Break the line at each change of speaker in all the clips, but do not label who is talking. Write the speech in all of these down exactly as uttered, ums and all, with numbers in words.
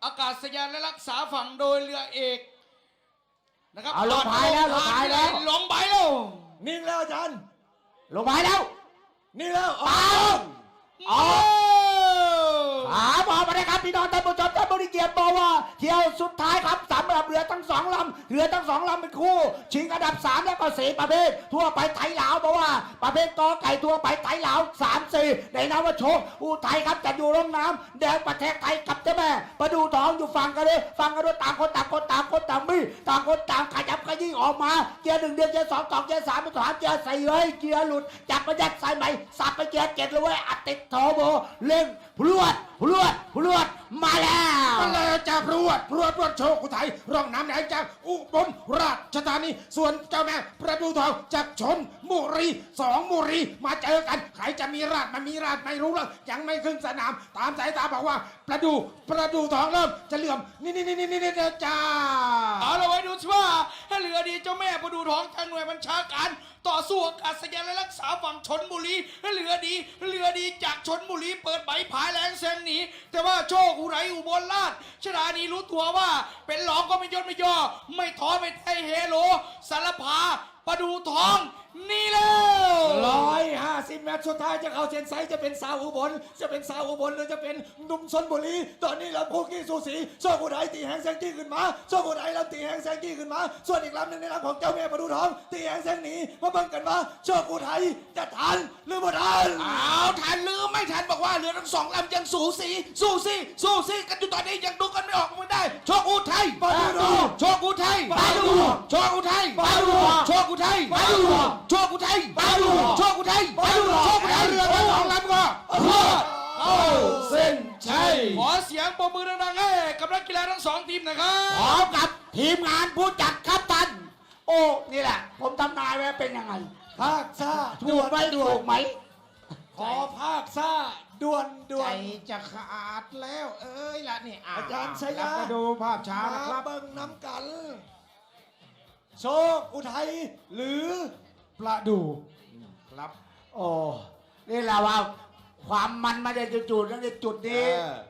อากาศยานและรักษาฝั่งโดยเรือเอกนะครับ
เอาลงพายแล้วลงพายแล้ว
ลงพายแล้ว
นิ่งแล้วอาจารย์
ลงพายแล้ว
นิ่งแล้ว
ปาอ๋อขาบอกมาเลยครับพี่น้องท่านผู้ชมท่านบริเกียรติบอกว่าเที่ยวสุดท้ายครับสำหรับเรือทั้งสองลำเรือทั้งสองลำเป็นคู่ชิงอันดับสามแล้วก็สี่ประเภททั่วไปไทยลาวบอกว่าประเภทกอไก่ทั่วไปไทยลาวสามสี่ในนามว่าโชคอุทัยครับจะอยู่ร่องน้ำแดงประเทศไทยกับเจ้าแม่ประดูทองอยู่ฝั่งกันเลยฝั่งกันด้วยต่างคนต่างคนต่างคนต่างมีต่างคนต่างขยับขยี้ออกมาเกียร์หนึ่งเดือนเกียร์สองต่อเกียร์สามเป็นสามเกียร์สี่เฮ้ยเกียร์หลุดจับประหยัดใส่ใหม่สับไปเกียร์เจ็ดเลยเว้ยอัดติดโทโบเร่งพรวดพรวดพรวดมาแล้ว
มาแล้วจากพรวดพรวดพรวดโชคอุทัยร่องน้ำแดงจากอุบลราชธานีส่วนเจ้าแม่ประดูทองจากชลบุรีสองบุรีมาเจอกันใครจะมีราชมันมีราชไม่รู้แล้วยังไม่ขึ้นสนามตามสายตาบอกว่าประดูประดูทองเริ่มจะเหลื่อมนี่นี่นี่นี่นี่จ้า
เอาละไว้ดูสิว่าถ้าเรือดีเจ้าแม่ประดูทองทางหน่วยบัญชาการต่อสู้อากาศยานและรักษาฝั่งชลบุรีเรือดีเรือดีจากชลบุรีเปิดใบผายแรงแซงหนีแต่ว่าโชคอุไรอุบลราชธานีรู้ตัวว่าเป็นหลองก็ไม่ย่นไม่ย่อไม่ท้อไม่ไทยเฮโลสารพาประดูทองนี่แล้ว
ร้อยห้าสิบเมตรสุดท้ายจะเข้าเส้นชัยจะเป็นสาวอุบลจะเป็นสาวอุบลหรือจะเป็นหนุ่มชลบุรีตอนนี้ลำพูกี้สูสีโชคอุทัยตีแหงแซงจี้ขึ้นมาโชคอุทัยลำตีแหงแซงจี้ขึ้นมาส่วนอีกลำหนึ่งในลำของเจ้าแม่ประดูทองตีแหงแซงหนีมาเบิ่งกันว่าโชคอุทัยจะทันหรือไม่ทัน
อ้าวทันหรือไม่ทันบอกว่าเรือทั้งสองลำยังสูสีสูสีสูสีกันอยู่ตอนนี้ยังดูกันไม่ออกไม่ได้โชคอุทัย
ประดู
โชคอุทัย
ประดู
โชคอุทัย
ประดู
โชคอุทัย
ประดู
โชคอุทัย
ประดู
โชคอุทัย
ประดู
โชคอุทัยเรือทั้งสองลำก็
เข้าเส้นชัย
ขอเสียงปรบมือดังๆให้กับนักกีฬาทั้งสองทีมนะครับ
พร้อมกับทีมงานผู้จัดครับท่านโอ้นี่แหละผมทำนายไว้เป็นยังไง
ภาคซ่า
ถูกไหมถูกไหม
ขอภาคซ่าด่วนด่วน
ใจจะขาดแล้วเอ้ยละนี่
อาจารย์ชัยยะ
มาดูภาพช้านะครับ
เบิ่งน้ำกันโชคอุทัยหรือประดู
ครับ
โอ้นี่แหละว่าความมันมาจากจุดๆนั่นในจุดนี้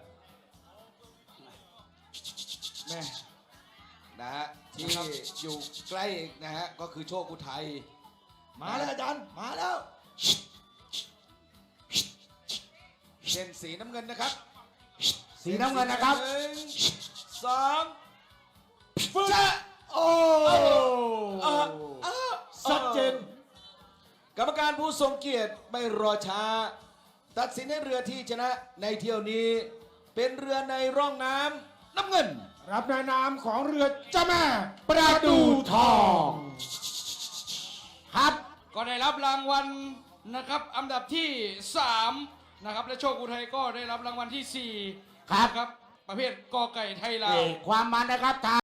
แม่นะฮะที่อยู่ใกล้นะฮะก็คือโชคอุทัย
มาแล้วอาจารย์มาแล้ว
เส้นสีน้ำเงินนะครับ
สีน้ำเงินนะครับ
สองฟึ๊บโอ้
ชัดเจน
กรรมการผู้ทรงเกียรติไม่รอช้าตัดสินให้เรือที่ชนะในเที่ยวนี้เป็นเรือในร่องน้ำน้ำเงิน
รับในนามของเรือเจ้าแม่
ประดูทองครับ
ก็ได้รับรางวัลนะครับอันดับที่สามนะครับและโชคอุทัยก็ได้รับรางวัลที่สี่
ครับ
ครับประเภทกอไก่ไทยลาว
ความมันนะครับ